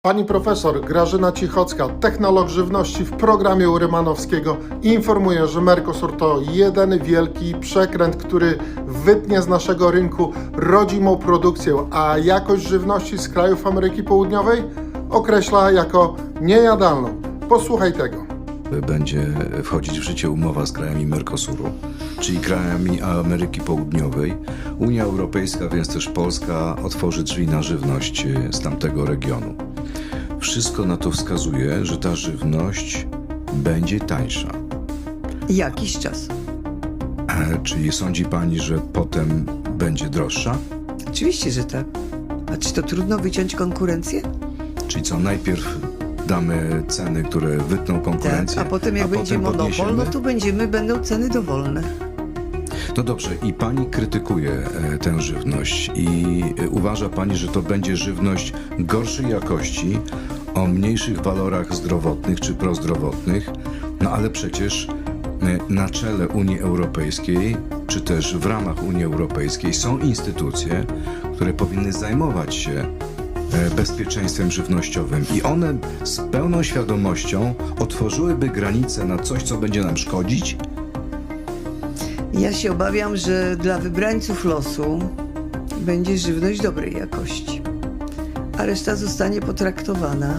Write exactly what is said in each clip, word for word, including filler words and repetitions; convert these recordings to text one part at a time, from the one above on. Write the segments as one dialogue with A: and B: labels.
A: Pani profesor Grażyna Cichocka, technolog żywności w programie u Rymanowskiego, informuje, że Mercosur to jeden wielki przekręt, który wytnie z naszego rynku rodzimą produkcję, a jakość żywności z krajów Ameryki Południowej określa jako niejadalną. Posłuchaj tego.
B: Będzie wchodzić w życie umowa z krajami Mercosuru, czyli krajami Ameryki Południowej. Unia Europejska, więc też Polska, otworzy drzwi na żywność z tamtego regionu. Wszystko na to wskazuje, że ta żywność będzie tańsza.
C: Jakiś czas.
B: E, czyli sądzi pani, że potem będzie droższa?
C: Oczywiście, że tak. A czy to trudno wyciąć konkurencję?
B: Czyli co, najpierw damy ceny, które wytną konkurencję,
C: Tak, a potem jak
B: a
C: będzie
B: potem
C: monopol,
B: podniesiemy?
C: no to będziemy, będą ceny dowolne.
B: No dobrze, i pani krytykuje e, tę żywność i e, uważa pani, że to będzie żywność gorszej jakości, o mniejszych walorach zdrowotnych czy prozdrowotnych, no ale przecież e, na czele Unii Europejskiej, czy też w ramach Unii Europejskiej są instytucje, które powinny zajmować się e, bezpieczeństwem żywnościowym i one z pełną świadomością otworzyłyby granice na coś, co będzie nam szkodzić.
C: Ja się obawiam, że dla wybrańców losu będzie żywność dobrej jakości, a reszta zostanie potraktowana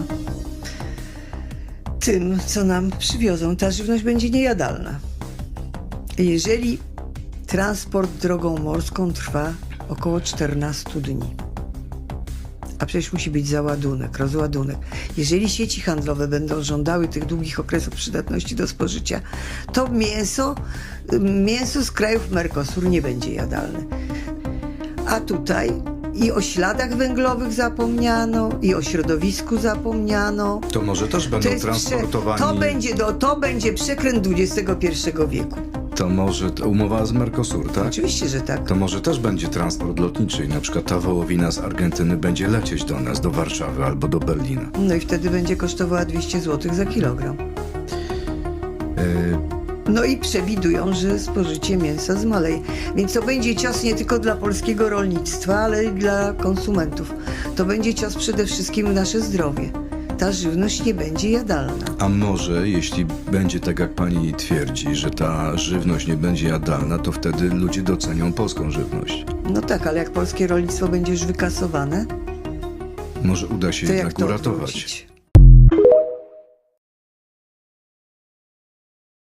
C: tym, co nam przywiozą. Ta żywność będzie niejadalna. Jeżeli transport drogą morską trwa około czternaście dni, a przecież musi być załadunek, rozładunek. Jeżeli sieci handlowe będą żądały tych długich okresów przydatności do spożycia, to mięso, mięso z krajów Mercosur nie będzie jadalne. A tutaj i o śladach węglowych zapomniano, i o środowisku zapomniano.
B: To może też będą
C: To, jest prze-
B: transportowani...
C: to, będzie, do, to będzie przekręt dwudziestego pierwszego wieku.
B: To może t- umowa z Mercosur, tak?
C: Oczywiście, że tak.
B: To może też będzie transport lotniczy i na przykład ta wołowina z Argentyny będzie lecieć do nas, do Warszawy albo do Berlina.
C: No i wtedy będzie kosztowała dwieście złotych za kilogram.
B: Yy,
C: No i przewidują, że spożycie mięsa zmaleje. Więc to będzie cios nie tylko dla polskiego rolnictwa, ale i dla konsumentów. To będzie cios przede wszystkim w nasze zdrowie. Ta żywność nie będzie jadalna.
B: a może, jeśli będzie tak, jak pani twierdzi, że ta żywność nie będzie jadalna, to wtedy ludzie docenią polską żywność.
C: No tak, ale jak polskie rolnictwo będzie już wykasowane,
B: Może uda się
C: to jak
B: jednak
C: to
B: uratować.
C: odwrócić?